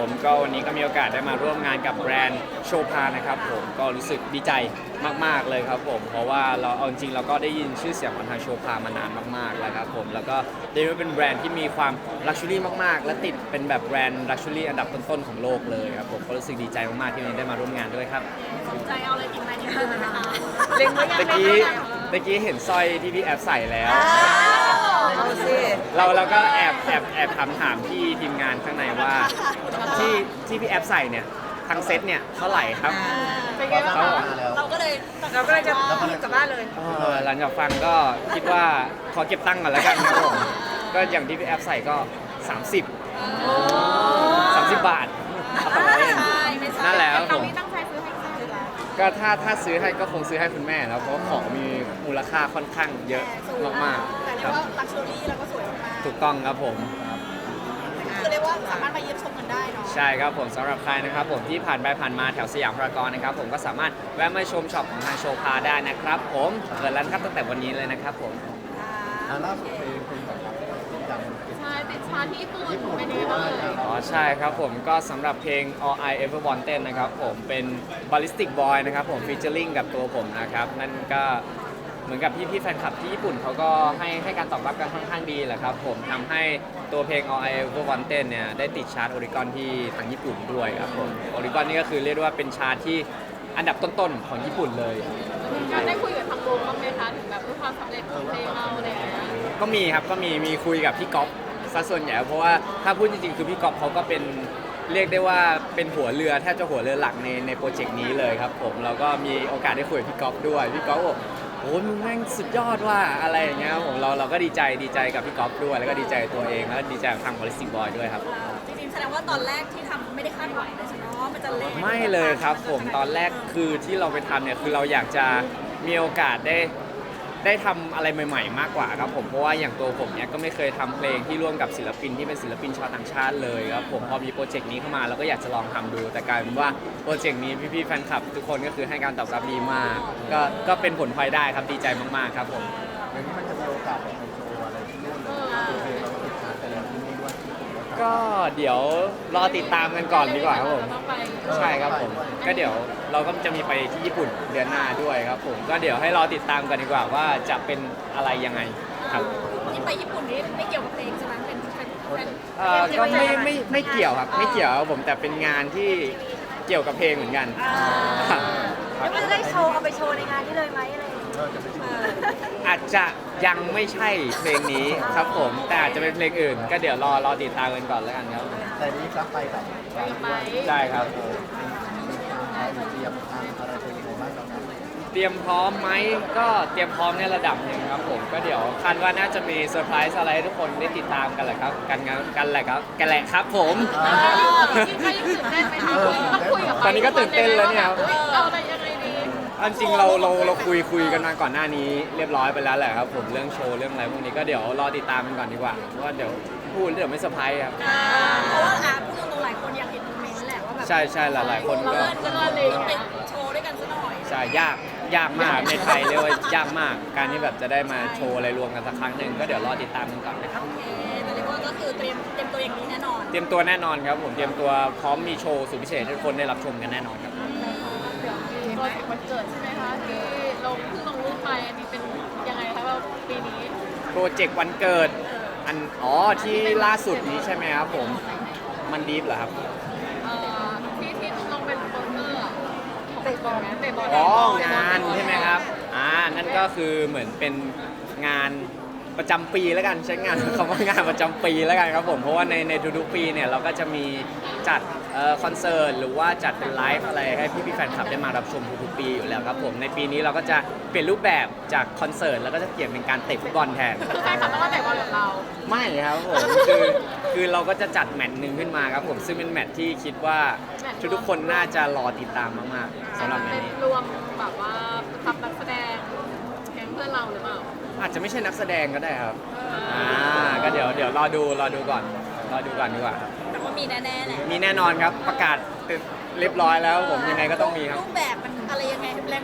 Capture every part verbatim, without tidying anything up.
ผมก็วันนี้ก็มีโอกาสได้มาร่วมงานกับแบรนด์โชพานะครับผมก็รู้สึกดีใจมากๆเลยครับผมเพราะว่าเราเอาจริงเราก็ได้ยินชื่อเสียงของทางโชพามานานมากๆแล้วครับผมแล้วก็ได้รู้ว่าเป็นแบรนด์ที่มีความลักชัวรี่มากๆและติดเป็นแบบแบรนด์ลักชัวรี่อันดับต้นๆของโลกเลยครับผมก็รู้สึกดีใจมากๆที่วันนี้ได้มาร่วมงานด้วยครับสนใจเอาอะไรกินไหมนี่คือไหมคะเล็งไว้ยังตะกี้ตะกี้เห็นสร้อยที่พี่แอฟใส่แล้วเอาสิเราเราก็แอบแอบแอบถามถามพี่ทีมงานข้างในว่าที่ที่พี่แอฟใส่เนี่ยทั้งเซ็ตเนี่ยเท่าไหร่ครับเป็นไงบ้างเขาคะเราก็เลยเราก็เลยจะรีบกลับบ้านเลยเออหลังจากฟังก็คิดว่าขอเก็บตังค์ก่อนแล้วกันครับผมก็อย่างที่พี่แอฟใส่ก็ สามสิบ สามสิบบาทเอาไปเล่นใช่ไม่ใช่นั่นแหละครับผมนี่ตั้งใจซื้อให้ใครเหรอก็ถ้าถ้าซื้อให้ก็คงซื้อให้คุณแม่แล้วเพราะว่าของมีมูลค่าค่อนข้างเยอะมากแต่ๆเรีคยกรับว่าลักชัวรี่แล้วก็สวยมากถูกต้องครับผมคือเรียกว่าสามารถมาเยี่ยมชมกันได้เนาะใช่ครับผมสำหรับใครนะครับผมที่ผ่านไปผ่านมาแถวสยามพารากอนนะครับผมก็สามารถแวะมาชมช็อปของทางโชพาได้นะครับผมเปิดร้านครับตั้งแต่วันนี้เลยนะครับผมอ่าล่าสุดเพลงเพลงแบบดังใช่ติดชาที่ญี่ปุ่นเป็นยังไงบ้างเลยอ๋อใช่ครับผมก็สำหรับเพลง All I Ever Wanted นะครับผมเป็น Ballistic Boy นะครับผมฟีเจอริงกับตัวผมนะครับนั่นก็เหมือนกับพี่พี่ๆแฟนคลับที่ญี่ปุ่นเขาก็ให้ให้การตอบรับกันค่อนข้างดีแหละครับผมทำให้ตัวเพลง All I Ever Wanted เนี่ยได้ติดชาร์ตโอริกอนที่ทางญี่ปุ่นด้วยครับผมโอริกอนนี่ก็คือเรียกได้ว่าเป็นชาร์ตที่อันดับต้นๆของญี่ปุ่นเลยการได้คุยกับทางวงบ้างไหมคะถึงแบบความสำเร็จของเพลงเราอะไรอย่างเงี้ยก็มีครับก็มีมีคุยกับพี่ก๊อฟซะส่วนใหญ่เพราะว่าถ้าพูดจริงๆคือพี่ก๊อฟเขาก็เป็นเรียกได้ว่าเป็นหัวเรือแทบจะหัวเรือหลักในในโปรเจกต์นี้เลยครับผมเราก็มีโอกาสได้คุยกับพี่ก๊อฟด้วยพี่ก๊อฟบอกโอ้มึงแม่งสุดยอดว่าอะไรอย่างเงี้ยครับผมเราเราก็ดีใจดีใจกับพี่ก๊อฟด้วยแล้วก็ดีใจกับตัวเองแล้วก็ดีใจกับทางบริษัทบอยด้วยครับจริงๆแสดงว่าตอนแรกที่ทำไม่ได้คาดหวังเลยใช่ไหมว่ามันจะเล่นไม่เลยครับผมตอนแรกคือที่เราไปทำเนี่ยคือเราอยากจะมีโอกาสได้ได้ทำอะไรใหม่ๆ มากกว่าครับผมเพราะว่าอย่างตัวผมเนี่ยก็ไม่เคยทำเพลงที่ร่วมกับศิลปินที่เป็นศิลปินชาวต่างชาติเลยครับผมพอมีโปรเจกต์นี้เข้ามาเราก็อยากจะลองทำดูแต่กลายเป็นว่าโปรเจกต์นี้พี่ๆแฟนคลับทุกคนก็คือให้การตอบรับดีมากก็ก็เป็นผลพลอยได้ครับดีใจมากๆครับผมๆอย่างนี้มันจะมีโอกาสแบบไปโชว์อะไรที่นู่นเลยตัวเพลงเราก็ติดชาร์ตไปแล้วที่นู่นด้วยก็เดี๋ยวรอติดตามกันก่อนดีกว่าครับผมต้องไปใช่ครับผมก็เดี๋ยวเราก็จะมีไปที่ญี่ปุ่นเดือนหน้าด้วยครับผมก็เดี๋ยวให้รอติดตามกันดีกว่าว่าจะเป็นอะไรยังไงครับที่ไปญี่ปุ่นนี่ไม่เกี่ยวกับเพลงใช่ไหมเป็นเป็นเป็นเอ่อก็ไม่ไม่ไม่เกี่ยวครับไม่เกี่ยวครับผมแต่เป็นงานที่เกี่ยวกับเพลงเหมือนกันครับแล้วมันจะได้โชว์เอาไปโชว์ในงานนี้เลยไหมอะไรอย่างเงี้ยเออจะไปโชว์อาจจะยังไม่ใช่เพลงนี้ครับผมแต่อาจจะเป็นเพลงอื่น ก็เดี๋ยวรอรอติดตามกันก่อนแล้วกันครับแต่นี้รับไปกับการไปใช่ครับเตรียมทางอะไรเป็นยังไงบ้างครับเตรียมพร้อมไหมก็เตรียมพร้อมในระดับหนึ่งครับผมก็เดี๋ยวคาดว่าน่าจะมีเซอร์ไพรส์อะไรให้ทุกคนได้ติดตามกันแหละครับกันงานกันแหละครับกันแหละครับผมจริงๆก็ยังตื่นเต้นไหมคะต้องคุยกับตอนนี้ก็ตื่นเต้นแล้วเนี่ยครับเอาอะไรยังไงดีอันจริงเราเราเราคุยคุยกันมาก่อนหน้านี้เรียบร้อยไปแล้วแหละครับผมเรื่องโชว์เรื่องอะไรพวกนี้ก็เดี๋ยวรอติดตามกันก่อนดีกว่าเพราะว่าเดี๋ยวพูดเดี๋ยวไม่เซอร์ไพรส์ครับอ่าเพราะว่าอ่ะพูดตรงๆหลายคนอยากเห็นโมเมนต์แหละว่าแบบใช่ใช่หลายๆคนก็เพื่อนก็เลยไปโชว์ด้วยกันซะหน่อยใช่ยากยากมากในไทยเรียกว่ายากมาก การที่แบบจะได้มาโชว์อะไรรวมกันสักครั้งหนึ่งก็เดี๋ยวรอติดตามกันก่อนนะครับโอเคแต่เรียกว่าก็คือเตรียมเตรียมตัวอย่างนี้แน่นอนเตรียมตัวแน่นอนครับผมเตรียมตัวพร้อมมีโชว์สุดพิเศษให้ทุกคนได้รับชมกันแน่นอนครับเดี๋ยวมีโปรเจกต์วันเกิดใช่ไหมคะที่ลงเพิ่งลงรูปไปอันนี้เป็นยังไงคะว่าปีนี้โปรเจกต์วันเกิดอันอ๋อที่ล่าสุดนี้ใช่ไหมครับผมมันดีฟเหรอครับเอ่อที่ที่ลงเป็นโปสเตอร์อะเตะบอลไหมเตะบอลอ๋องานใช่ไหมครับอ่านั่นก็คือเหมือนเป็นงานประจำปีแล้วกันใช้งาน คำว่างานประจำปีแล้วกันครับผมเพราะว่าในในทุกๆปีเนี่ยเราก็จะมีจัดเอ่อคอนเสิร์ตหรือว่าจัดเป็นไลฟ์อะไรให้พี่ๆแฟนคลับได้มารับชมทุกๆปีอยู่แล้วครับผมในปีนี้เราก็จะเปลี่ยนรูปแบบจากคอนเสิร์ตแล้วก็จะเปลี่ยนเป็นการเตะฟุตบอลแทนคือแฟนคลับต้องมาเตะบอลกับเราไม่ครับผมคือคือเราก็จะจัดแมตช์หนึ่งขึ้นมาครับผมซึ่งเป็นแมตช์ที่คิดว่าทุกๆคนน่าจะรอติดตามมากๆสำหรับแมตช์นี้รวมแบบว่าทำนักแสดงแก๊งเพื่อนเราหรือเปล่าอาจจะไม่ใช่นักแสดงก็ได้ครับอ่าก็เดี๋ยวเดี๋ยวรอดูรอดูก่อนรอดูก่อนดีกว่าครับแต่ว่ามีแน่ๆแหละมีแน่นอนครับประกาศเรียบร้อยแล้วผมยังไงก็ต้องมีครับรูปแบบมันอะไรยังไงแรง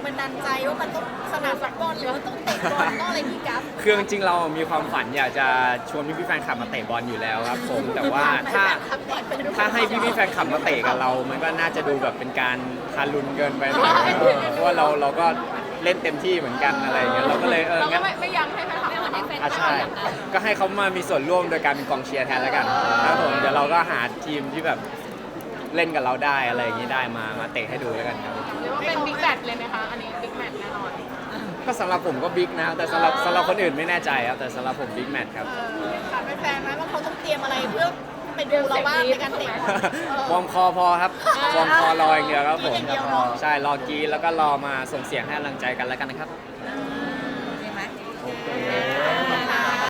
บันดาลใจว่ามันต้องสนามฟุตบอลหรือว่าต้องเตะบอลต้องอะไรพี่กัฟคือจริงๆเรามีความฝันอยากจะชวนพี่ๆแฟนคลับมาเตะบอลอยู่แล้วครับผมแต่ว่าถ้าถ้าให้พี่ๆแฟนคลับมาเตะกับเรา มันก็น่าจะดูแบบเป็นการทารุณเกินไปหน่อยเพราะว่าเราเราก็เล่นเต็มที่เหมือนกันอะไรอย่างเงี้ยเราก็เลยเออเราก็งั้นไม่ไม่ยั้งให้แฟนคลับไม่ให้แฟนคลัอ่ะบใช่ก็ให้เขามามีส่วนร่วมโดยการเป็นกองเชียร์แทนแล้วกันครับผมเดี๋ยวเราก็หาทีมที่แบบเล่นกับเราได้อะไรอย่างงี้ได้มามาเตะให้ดูแล้วกันครับเรียกว่าเป็นบิ๊กแมตช์เลยไหมคะ อันนี้บิ๊กแมตช์แน่นอนก็สำหรับผมก็บิ๊กนะแต่สำหรับสำหรับคนอื่นไม่แน่ใจครับแต่สำหรับผมบิ๊กแมตช์ครับถามแฟนๆไหมว่าเขาต้องเตรียมอะไรเพื่อไปดูเราบ้างในการเตะบอลวอร์มคอพอครับวอร์มคอรออย่างเดียวครับผมอย่างเดียวเนอะใช่รอกรีดแล้วก็รอมาส่งเสียงให้กำลังใจกันแล้วกันนะครับ